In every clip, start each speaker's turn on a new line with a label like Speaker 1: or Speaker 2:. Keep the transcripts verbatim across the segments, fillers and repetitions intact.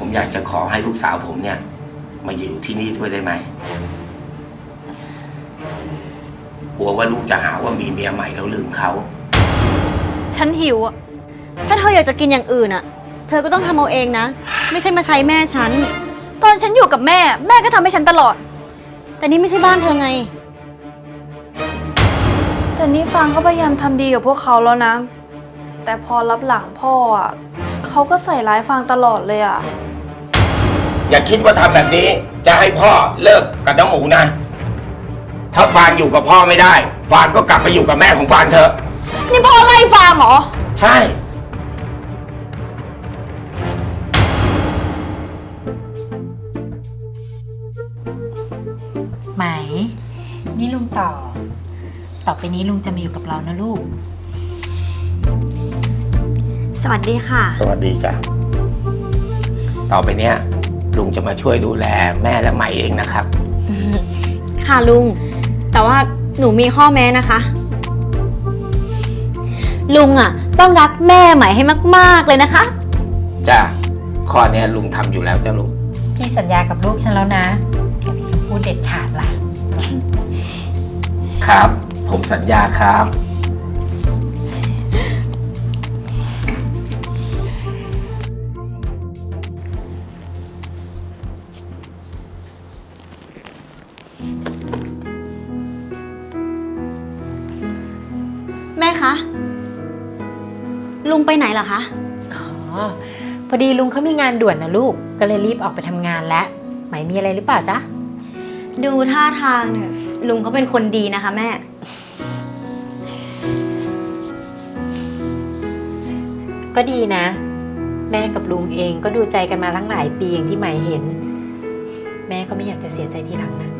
Speaker 1: ผมอยากจะขอให้ลูกสาวผมเนี่ยมาอยู่ที่นี่ด้วยได้ไหมกลัวว่าลูกจะหาว่ามีเมียใหม่แล้วลืมเขา
Speaker 2: ฉันหิวอะถ้าเธออยากจะกินอย่างอื่นอะเธอก็ต้องทำเอาเองนะไม่ใช่มาใช้แม่ฉันตอนฉันอยู่กับแม่แม่ก็ทำให้ฉันตลอดแต่นี่ไม่ใช่บ้านเธอไง
Speaker 3: แต่นี่ฟางก็พยายามทำดีกับพวกเขาแล้วนะแต่พอรับหลังพ่ออ่ะเขาก็ใส่ร้ายฟางตลอดเลยอ่ะ
Speaker 1: อย่าคิดว่าทำแบบนี้จะให้พ่อเลิกกับน้องหมูนะถ้าฟางอยู่กับพ่อไม่ได้ฟางก็กลับไปอยู่กับแม่ของฟางเถอะ
Speaker 3: นี่พ่อไล่ฟางเหรอ
Speaker 1: ใช่
Speaker 4: ไหมนี่ลุงต่อต่อไปนี้ลุงจะมาอยู่กับเรานะลูก
Speaker 2: สวัสดีค่ะ
Speaker 1: สวัสดีจ้ะต่อไปเนี้ยลุงจะมาช่วยดูแลแม่และใหม่เองนะครับ
Speaker 2: ค่ะลุงแต่ว่าหนูมีข้อแม้นะคะลุงอ่ะต้องรักแม่ใหม่ให้มากๆเลยนะคะ
Speaker 1: จ้ะข้อนี้ลุงทำอยู่แล้วจ้ะลุง
Speaker 4: พี่สัญญากับลูกฉันแล้วนะพูดเด็ดขาดล่ะ
Speaker 1: ครับผมสัญญาครับ
Speaker 2: แม่คะลุงไปไหนเหรอคะ
Speaker 4: อ๋อพอดีลุงเขามีงานด่วนนะลูกก็เลยรีบออกไปทำงานแล้วไหมมีอะไรหรือเปล่าจ๊ะ
Speaker 2: ดูท่าทางเนี่ยลุงเขาเป็นคนดีนะคะแม่
Speaker 4: ก็ดีนะแม่กับลุงเองก็ดูใจกันมาตั้งหลายปีอย่างที่ไหมเห็นแม่ก็ไม่อยากจะเสียใจทีหลังนะ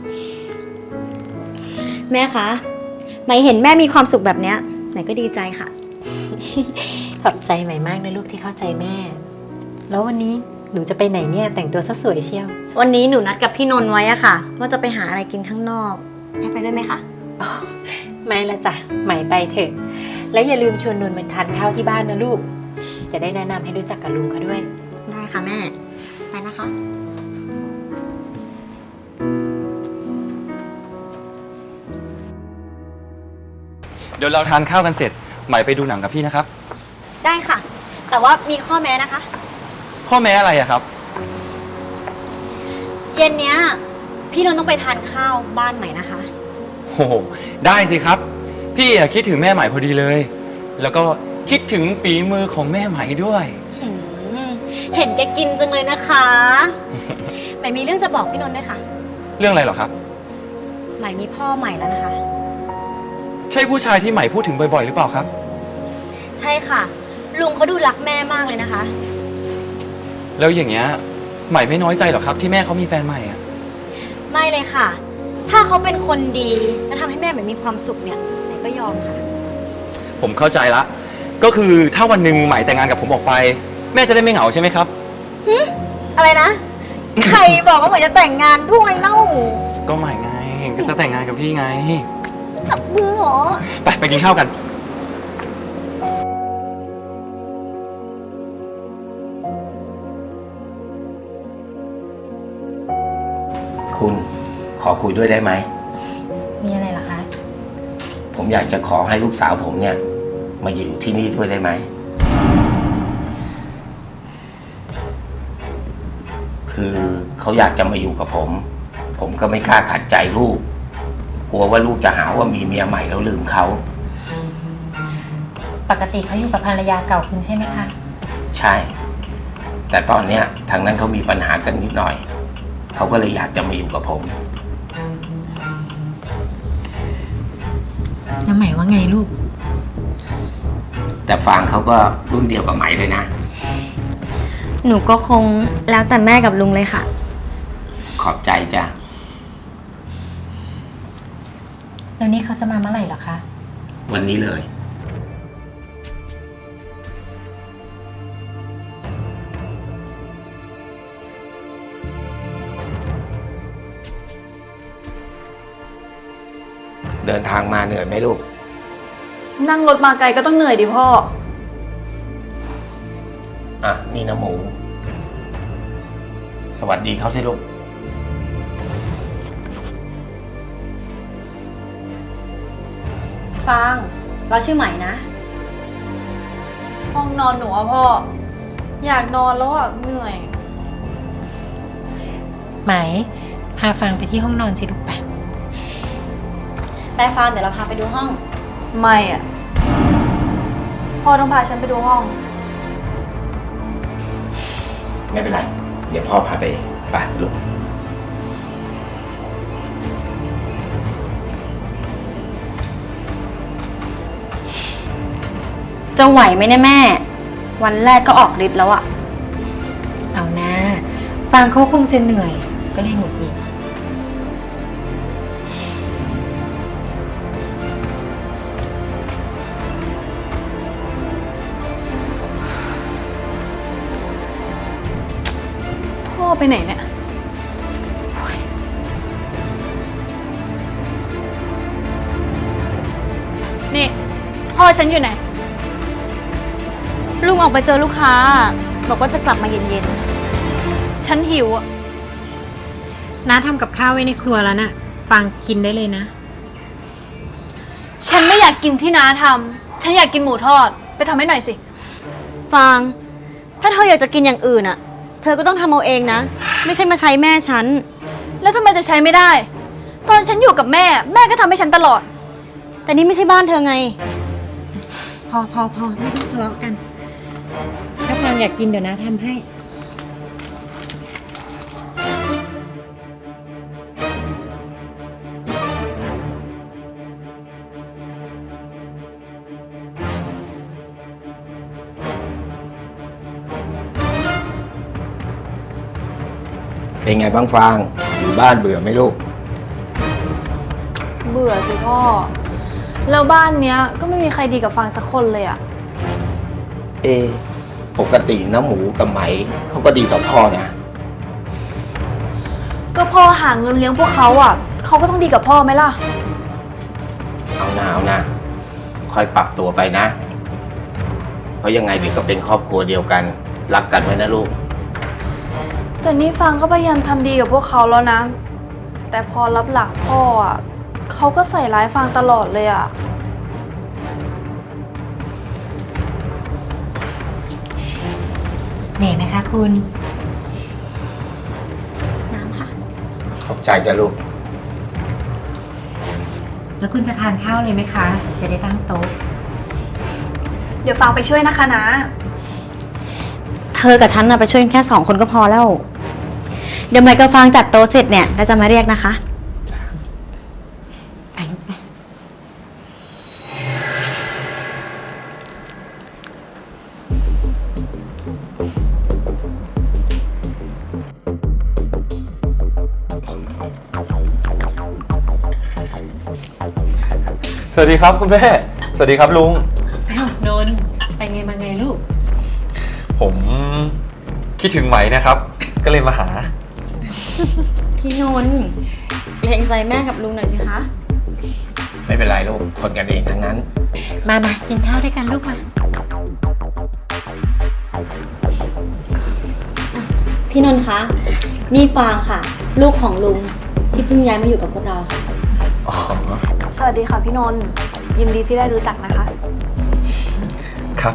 Speaker 2: แม่คะไหมเห็นแม่มีความสุขแบบเนี้ยไหนก็ดีใจค่ะ
Speaker 4: ขอบใจไหมมากนะลูกที่เข้าใจแม่แล้ววันนี้หนูจะไปไหนเนี่ยแต่งตัวซะสวยเชียว
Speaker 2: วันนี้หนูนัดกับพี่นนท์ไว้อะค่ะว่าจะไปหาอะไรกินข้างนอกแม่ไปด้วยไหมคะ
Speaker 4: ไม่ละจ้ะไหมไปเถอะแล้วอย่าลืมชวนนนท์มาทานข้าวที่บ้านนะลูกจะได้แนะนำให้รู้จักกับลุงเขาด้วย
Speaker 2: ได้ค่ะแม่ไปนะคะ
Speaker 5: เดี๋ยวเราทานข้าวกันเสร็จไหมไปดูหนังกับพี่นะครับ
Speaker 2: ได้ค่ะแต่ว่ามีข้อแม้นะคะ
Speaker 5: ข้อแม้อะไรอะครับ
Speaker 2: เย็นเนี้ยพี่นนท์ต้องไปทานข้าวบ้านใหม่นะคะ
Speaker 5: โอ้โหได้สิครับพี่อะคิดถึงแม่ใหม่พอดีเลยแล้วก็คิดถึงฝีมือของแม่ใหม่ด้วย
Speaker 2: เห็นแกกินจังเลยนะคะใหม่มีเรื่องจะบอกพี่นนท์ด้วยค่ะ
Speaker 5: เรื่องอะไรหรอครับ
Speaker 2: ใหม่มีพ่อใหม่แล้วนะคะ
Speaker 5: ใช่ผู้ชายที่ใหม่พูดถึงบ่อยๆหรือเปล่าครับ
Speaker 2: ใช่ค่ะลุงเขาดูรักแม่มากเลยนะคะ
Speaker 5: แล้วอย่างเงี้ยใหม่ไม่น้อยใจหรอครับที่แม่เขามีแฟนใหม่อะ
Speaker 2: ไม่เลยค่ะถ้าเขาเป็นคนดีและทำให้แม่ใหม่มีความสุขเนี่ยใหม่ก็ยอมค่ะ
Speaker 5: ผมเข้าใจละก็คือถ้าวันหนึ่งใหม่แต่งงานกับผมออกไปแม่จะได้ไม่เหงาใช่ไหมครับ
Speaker 2: อะไรนะ ใครบอกว่าใหม่จะแต่งงานด้วยเล่า
Speaker 5: ก็ใหม่ไงก็จะแต่งงานกับพี่ไง
Speaker 2: จับมือเหรอ
Speaker 5: ไปไปกินข้าวกัน
Speaker 1: คุณขอคุยด้วยได้ไหม
Speaker 4: มีอะไรเหรอคะ
Speaker 1: ผมอยากจะขอให้ลูกสาวผมเนี่ยมาอยู่ที่นี่ด้วยได้ไหมคือเขาอยากจะมาอยู่กับผมผมก็ไม่กล้าขัดใจลูกกลัวว่าลูกจะหาว่ามีเมียใหม่แล้วลืมเขา
Speaker 4: ปกติเขาอยู่กับภรรยาเก่าคุณใช่ไหมคะ
Speaker 1: ใช่แต่ตอนเนี้ยทางนั้นเขามีปัญหากันนิดหน่อยเขาก็เลยอยากจะมาอยู่กับผม
Speaker 4: แล้วไหมว่าไงลูก
Speaker 1: แต่ฟางเขาก็รุ่นเดียวกับไหมเลยนะ
Speaker 2: หนูก็คงแล้วแต่แม่กับลุงเลยค่ะ
Speaker 1: ขอบใจจ้ะ
Speaker 4: แล้วนี่เขาจะมาเมื่อไหร่เหรอคะ
Speaker 1: วันนี้เลยเดินทางมาเหนื่อยไหมลูก
Speaker 3: นั่งรถมาไกลก็ต้องเหนื่อยดิพ่อ
Speaker 1: อ่ะนี่นะหมูสวัสดีเขาสิลูก
Speaker 2: ฟาง เราชื่อใหม่นะ
Speaker 3: ห้องนอนหนูอะพ่อ อยากนอนแล้วอะเหนื่อย
Speaker 4: ไหม พาฟังไปที่ห้องนอนสิลูกไป
Speaker 2: ไปฟาง เดี๋ยวเราพาไปดูห้อง
Speaker 3: ไม่อะพ่อต้องพาฉันไปดูห้อง
Speaker 1: ไม่เป็นไร เดี๋ยวพ่อพาไปเองไปลูก
Speaker 2: จะไหวไหมเนี่ยแม่ วันแรกก็ออกฤทธิ์แล้วอะ
Speaker 4: เอานะฟังเขาคงจะเหนื่อย ก็เลยหงุดหงิด
Speaker 3: พ่อไปไหนเนี่ยโอ๊ยนี่พ่อฉันอยู่ไหน
Speaker 2: ลุงออกไปเจอลูกค้า บอกว่าจะกลับมาเย็น
Speaker 3: ฉันหิวอะ
Speaker 4: น้าทำกับข้าวไว้ในครัวแล้วน่ะ ฟังกินได้เลยนะ
Speaker 3: ฉันไม่อยากกินที่น้าทำฉันอยากกินหมูทอด ไปทำให้หน่อยสิ
Speaker 2: ๆ ฟาง ถ้าเธออยากจะกินอย่างอื่นอะเธอก็ต้องทำเอาเองนะ ไม่ใช่มาใช้แม่ฉัน
Speaker 3: แล้วทำไมจะใช้ไม่ได้ ตอนฉันอยู่กับแม่ แม่ก็ทำให้ฉันตลอด
Speaker 2: แต่นี่ไม่ใช่บ้านเธอไง
Speaker 4: พอพอพอไม่ต้องทะเลาะกัน ถ้าฟังอยากกินเดี๋ยวน้าทำให้
Speaker 1: เป็นไงบ้างฟาง อยู่บ้านเบื่อไหมลูก
Speaker 3: เบื่อสิพ่อ แล้วบ้านเนี้ยก็ไม่มีใครดีกับฟางสักคนเลยอะ
Speaker 1: เอ ปกติน้ำหมูกับไหมเขาก็ดีต่อพ่อนะ
Speaker 3: ก็พ่อหาเงินเลี้ยงพวกเขาอะเขาก็ต้องดีกับพ่อไหมล่ะ
Speaker 1: เอาหนาเอานะค่อยปรับตัวไปนะ เพราะยังไงเดี๋ยวก็เป็นครอบครัวเดียวกัน รักกันไว้นะลูก
Speaker 3: แต่นี่ฟางก็พยายามทำดีกับพวกเขาแล้วนะ แต่พอรับหลังพ่ออะเขาก็ใส่ร้ายฟางตลอดเลยอะ
Speaker 4: เหนื่อยไหมคะคุณ
Speaker 2: น้ำค่ะ
Speaker 1: ขอบใจจ้ะลูก
Speaker 4: แล้วคุณจะทานข้าวเลยไหมคะ จะได้ตั้งโต๊ะ
Speaker 3: เดี๋ยวฟางไปช่วยนะคะนะ
Speaker 2: เธอกับฉันนะไปช่วยกันแค่สองคนก็พอแล้ว เดี๋ยวใหม่กับฟางจัดโต๊ะเสร็จเนี่ยเราจะมาเรียกนะคะ
Speaker 4: ไปลูกไป
Speaker 5: สวัสดีครับคุณแม่ สวัสดีครับลุง
Speaker 4: อ้าวนนท์ไปไงมาไงลูก
Speaker 5: ผมคิดถึงไหมนะครับ ก็เลยมาหา
Speaker 2: พี่นนท์เกรงใจแม่กับลุงหน่อยสิคะ
Speaker 1: ไม่เป็นไรลูก คนกันเองทั้งนั้น
Speaker 4: มามากินข้าวด้วยกันลูกมา
Speaker 2: พี่นนท์คะ นี่ฟางค่ะ ลูกของลุงที่เพิ่งย้ายมาอยู่กับพวกเราค่ะ
Speaker 1: อ๋อ
Speaker 3: สวัสดีค่ะพี่นนท์ยินดีที่ได้รู้จักนะคะ
Speaker 5: ครับ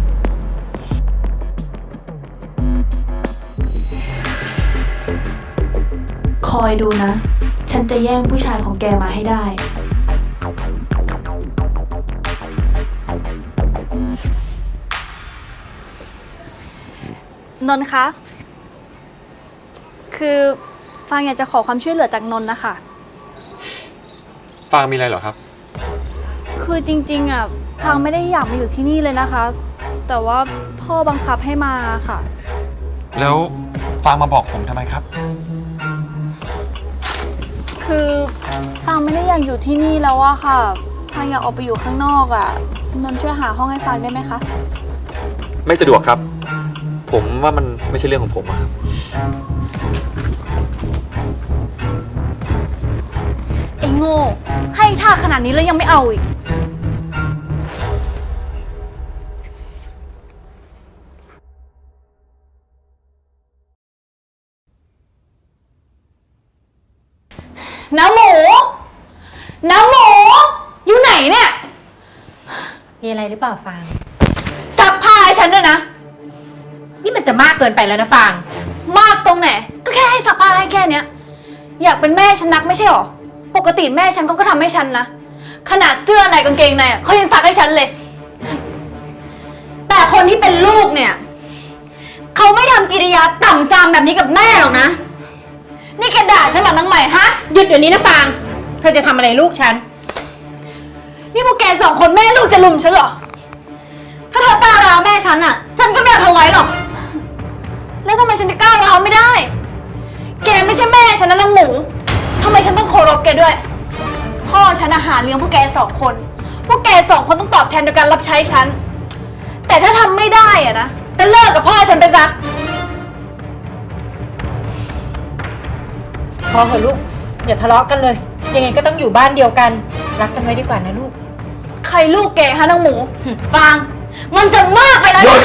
Speaker 6: คอยดูนะ ฉันจะแย่งผู้ชายของแกมาให้ได้
Speaker 3: นนท์คะ คือฟางอยากจะขอความช่วยเหลือจากนนท์นะคะ
Speaker 5: ฟางมีอะไรเหรอครับ
Speaker 3: คือจริงๆอ่ะฟางไม่ได้อยากมาอยู่ที่นี่เลยนะคะ แต่ว่าพ่อบังคับให้มาค่ะ
Speaker 5: แล้วฟางมาบอกผมทำไมครับ
Speaker 3: คือฟางไม่ได้อยากอยู่ที่นี่แล้วอะค่ะฟางอยากออกไปอยู่ข้างนอกอะนนท์ช่วยหาห้องให้ฟางได้ไหมคะ
Speaker 5: ไม่สะดวกครับ ผมว่ามันไม่ใช่เรื่องของผมอะครับ
Speaker 3: ไอ้โง่ ให้ท่าขนาดนี้แล้วยังไม่เอาอีกน้ำหมู น้ำหมู อยู่ไหนเนี่ย
Speaker 4: มีอะไรหรือเปล่าฟาง
Speaker 3: ซักผ้าให้ฉันด้วยนะ
Speaker 4: นี่มันจะมากเกินไปแล้วนะฟาง
Speaker 3: มากตรงไหน ก็แค่ให้ซักผ้าให้แค่เนี้ย อยากเป็นแม่ฉันนักไม่ใช่หรอ ปกติแม่ฉันก็ก็ทำให้ฉันนะ ขนาดเสื้อในกางเกงในอะเขายังซักให้ฉันเลย
Speaker 2: แต่คนที่เป็นลูกเนี่ย เขาไม่ทำกิริยาต่ำซามแบบนี้กับแม่หรอกนะ
Speaker 3: นี่แกด่าฉันเหรอนางใหม่ฮะ
Speaker 4: หยุดเดี๋ยวนี้นะฟาง เธอจะทำอะไรลูกฉัน
Speaker 3: นี่พวกแกสองคนแม่ลูกจะลุมฉันเหรอ
Speaker 2: ถ้าเธอตาร้าวแม่ฉันอะฉันก็ไม่เอาเธอไว้หรอก
Speaker 3: แล้วทำไมฉันจะก้าวร้าวไม่ได้ แกไม่ใช่แม่ฉันนะนางหมูทำไมฉันต้องเคารพแกด้วย พ่อฉันอาหารเลี้ยงพวกแกสองคน พวกแกสองคนต้องตอบแทนโดยการรับใช้ฉัน แต่ถ้าทำไม่ได้อะนะก็เลิกกับพ่อฉันไปซะ
Speaker 4: พอเหอะลูก อย่าทะเลาะกันเลย ยังไงก็ต้องอยู่บ้านเดียวกัน รักกันไว้ดีกว่านะลูก
Speaker 3: ใครลูกแกฮะนางหมู
Speaker 2: ฟาง มันจะมากไปแล้ว
Speaker 1: หยุ
Speaker 2: นะ
Speaker 1: ด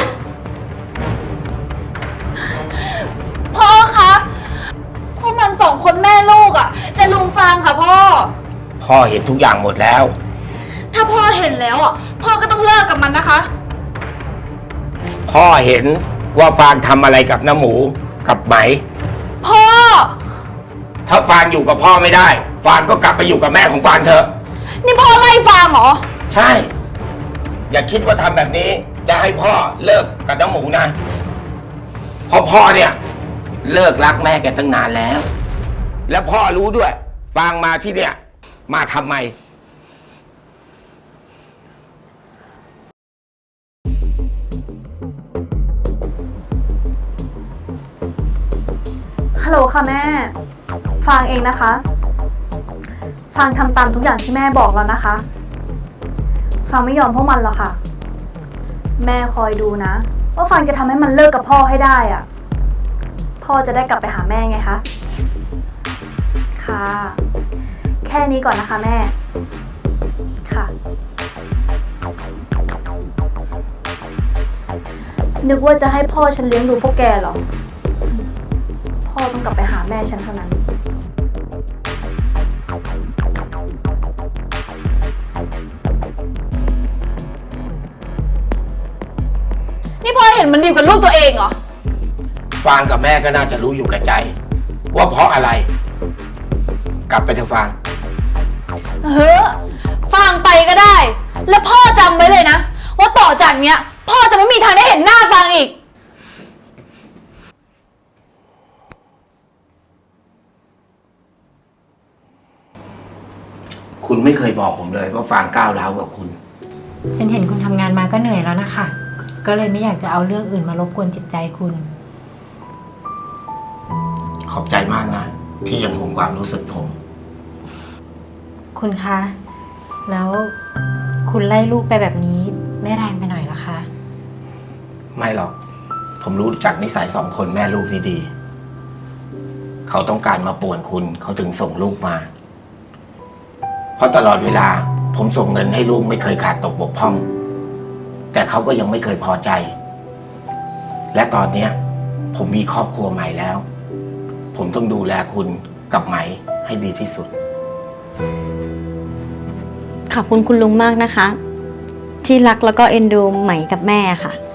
Speaker 3: พ่อคะพวกมันสองคนแม่ลูกอะจะลุมฟางค่ะพ่อ
Speaker 1: พ่อเห็นทุกอย่างหมดแล้ว
Speaker 3: ถ้าพ่อเห็นแล้วอะพ่อก็ต้องเลิกกับมันนะคะ
Speaker 1: พ่อเห็นว่าฟางทำอะไรกับน้าหมูกับไหม
Speaker 3: พ่อ
Speaker 1: ถ้าฟางอยู่กับพ่อไม่ได้ ฟางก็กลับไปอยู่กับแม่ของฟางเถอะ
Speaker 3: นี่พ่อไล่ฟางเหรอ
Speaker 1: ใช่ อย่าคิดว่าทำแบบนี้จะให้พ่อเลิกกับน้าหมูนะ เพราะพ่อเนี่ย เลิกรักแม่แกตั้งนานแล้ว แล้วพ่อรู้ด้วย ฟางมาที่เนี่ย มาทำไม
Speaker 3: ฮัลโหลค่ะแม่ ฟางเองนะคะ ฟางทำตามทุกอย่างที่แม่บอกแล้วนะคะ ฟางไม่ยอมพวกมันหรอกค่ะ แม่คอยดูนะ ว่าฟางจะทำให้มันเลิกกับพ่อให้ได้อะพ่อจะได้กลับไปหาแม่ไงคะ ค่ะ แค่นี้ก่อนนะคะแม่ ค่ะ นึกว่าจะให้พ่อฉันเลี้ยงดูพวกแกเหรอ พ่อต้องกลับไปหาแม่ฉันเท่านั้น นี่พ่อเห็นมันดีกับลูกตัวเองเหรอ
Speaker 1: ฟางกับแม่ก็น่าจะรู้อยู่กับใจ ว่าเพราะอะไร กลับไปเถอะฟาง
Speaker 3: เฮ้อฟังไปก็ได้ แล้วพ่อจำไว้เลยนะ ว่าต่อจากเนี้ย พ่อจะไม่มีทางได้เห็นหน้าฟังอีก
Speaker 1: คุณไม่เคยบอกผมเลยว่าฟางก้าวร้าวกับคุณ
Speaker 4: ฉันเห็นคุณทำงานมาก็เหนื่อยแล้วนะคะ ก็เลยไม่อยากจะเอาเรื่องอื่นมารบกวนจิตใจคุณ
Speaker 1: ขอบใจมากนะ ที่ยังห่วงความรู้สึกผม
Speaker 4: คุณคะ แล้วคุณไล่ลูกไปแบบนี้ไม่แรงไปหน่อยเหรอคะ
Speaker 1: ไม่หรอก ผมรู้จักนิสัยสองคนแม่ลูกนี่ดี เขาต้องการมาป่วนคุณ เขาถึงส่งลูกมา เพราะตลอดเวลา ผมส่งเงินให้ลูกไม่เคยขาดตกบกพร่อง แต่เขาก็ยังไม่เคยพอใจ และตอนเนี้ย ผมมีครอบครัวใหม่แล้ว ผมต้องดูแลคุณกับไหมให้ดีที่สุด
Speaker 2: ขอบคุณคุณลุงมากนะคะ ที่รักแล้วก็เอ็นดูไหมกับแม่ค่ะ